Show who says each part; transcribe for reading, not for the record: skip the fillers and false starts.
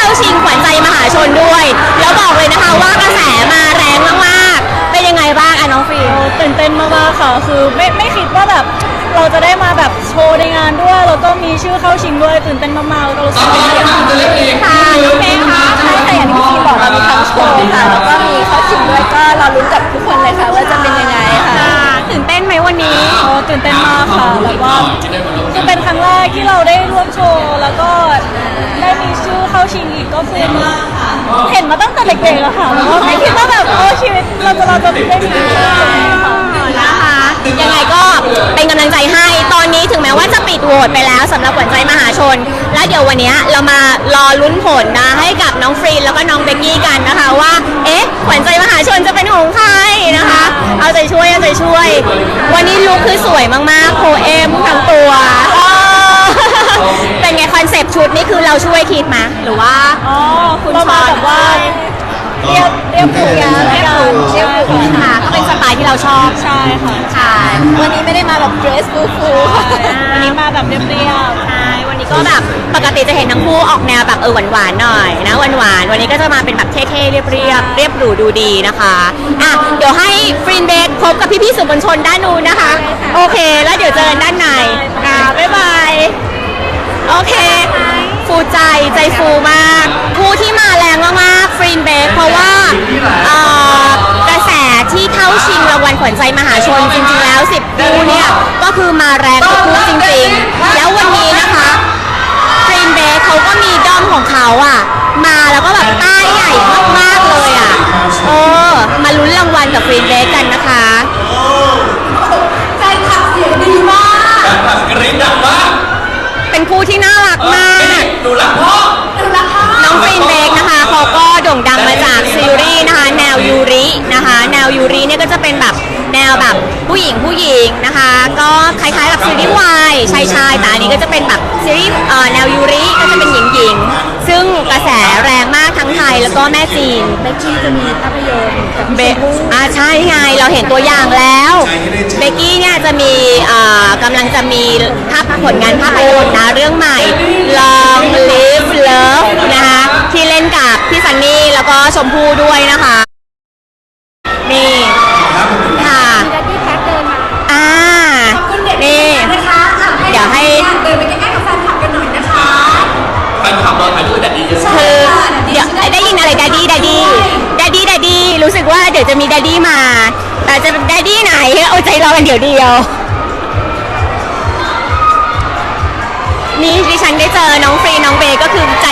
Speaker 1: เข้าชิงขวัญใจมหาชนด้วยแล้วบอกเลยนะคะว่ากระแสมาแรงมากๆเป็นยังไงบ้างน้องฟิล์ม
Speaker 2: ตื่นเต้นมากๆค่ะคือไม่คิดว่าแบบเราจะได้มาแบบโชว์ในงานด้วยแล้วก็มีชื่อเข้าชิงด้วยตื่นเต้นมากๆแล้วก็รู้สึกดีใจมาก
Speaker 1: ค่ะน้องเมย์คะ
Speaker 3: ใช่ค่ะอย่างที่พี่บอกเรามีทั้งโชว์ค่ะแล้วก็มีเข้าชิงด้วยก็รอลุ้นกับทุกคนเลยค่ะว่าจะเป็นยังไงค่ะ
Speaker 1: ตื่นเต้นไหมวันนี้
Speaker 2: ตื่นเต้นมากค่ะแล้วก็คือเป็นครั้งแรกที่เราได้ร่วมโชว์แล้วก็ได้มีชื่อเข้าชิงอีกก็คือเห็นมาตั้งแต่เด็กๆอะค่ะแล้วก็ไม่คิดว่าแบบชีวิตเราจะได้มีชื่อค่ะ
Speaker 1: นะคะยังไงก็เป็นกำลังใจให้ตอนนี้ถึงแม้ว่าจะปิดโหวตไปแล้วสำหรับขวัญใจมหาชนและเดี๋ยววันนี้เรามารอลุ้นผลนะให้กับน้องฟรีนแล้วก็น้องเบกกี้กันนะคะว่าขวัญใจมหาชนจะเป็นของใครนะคะเอาใจช่วยวันนี้ลุคคือสวยมากๆโคเอมทั้งตัวเป็นไงคอนเซปต์ชุดนี่คือเราช่วยคิดมาหรือว่า
Speaker 2: คุณชอนแบบว่าเรียบหรู
Speaker 1: ค่ะก็เป็นสไตล์ที่เราชอบ
Speaker 2: ใช่ค่ะ
Speaker 1: ใช่
Speaker 3: วันนี้ไม่ได้มาแบบเดรสฟู
Speaker 2: วันนี้มาแบบเรียบ
Speaker 1: ใช่วันนี้ก็แบบปกติจะเห็นทั้งคู่ออกแนวแบบหวานๆหน่อยนะหวานวันนี้ก็จะมาเป็นแบบเท่ๆเรียบหรูดูดีนะคะเดี๋ยวให้ฟรีนเบคพบกับพี่ๆสื่อมวลชนด้านนู้นนะคะโอเคแล้วเดี๋ยวเจอกันด้านในบ๊ายบายโอเคฟูใจฟูมากคู่ที่มาแรงมากๆฟรีนเบคเพราะว่ากระแสที่เข้าชิงรางวัลขวัญใจมหาชนจริงๆแล้ว10คู่เนี่ยก็คือมาแรงทุกคู่จริงๆแล้ววันนี้นะคะฟรีนเบคเขาก็มีด้อมของเขามาแล้วก็แบบป้ายใหญ่มากๆเลยมาลุ้นรางวัลกับฟรีนเบคกันนะคะ
Speaker 3: แฟนคลับเสียงดีมาก
Speaker 4: กรี๊ดดังมาก
Speaker 1: เป็นคู่ที่น่ารักมาก
Speaker 4: ดูรักพ่อ
Speaker 1: น้องฟรีนเบคนะคะเขาก็โด่งดังมาจากซีรีส์นะคะแนวยูรินะคะแนวยูริเนี่ยก็จะเป็นแบบแนวแบบผู้หญิงนะคะก็คล้ายๆกับซีรีส์วายชายแต่อันนี้ก็จะเป็นแบบซีรีส์แนวยูริก็จะเป็นหญิงซึ่งกระแสแรงมากทั้งไทยแล้วก็แม่จีน
Speaker 3: เบกกี้จะมีภาพยนตร์กับ
Speaker 1: ใช่ไงเราเห็นตัวอย่างแล้วเบกกี้เนี่ยจะมีกำลังจะมีผลงานภาพยนตร์นะเรื่องใหม่ Long Live Love นะคะที่เล่นกับพี่ซันนี่แล้วก็ชมพู่ด้วยนะคะนี่ค่ะ
Speaker 3: ที่แพ็คเดินมา
Speaker 1: นี่
Speaker 3: นะคะ
Speaker 1: เดี๋ยวให้
Speaker 3: เดินไปใกล้ๆกับแฟนคลับกันหน่อยนะคะ
Speaker 4: แฟนคลับรอถ่ายรูปแดดดี้เยอะ
Speaker 1: คือเดี๋ยวได้ยินอะไรแดดดี้รู้สึกว่าเดี๋ยวจะมีแดดดี้มาแต่จะเป็นแดดดี้ไหนเอาใจรอกันเดี๋ยวนี่ดิฉันได้เจอน้องฟรีน้องเบย์ก็คือใจ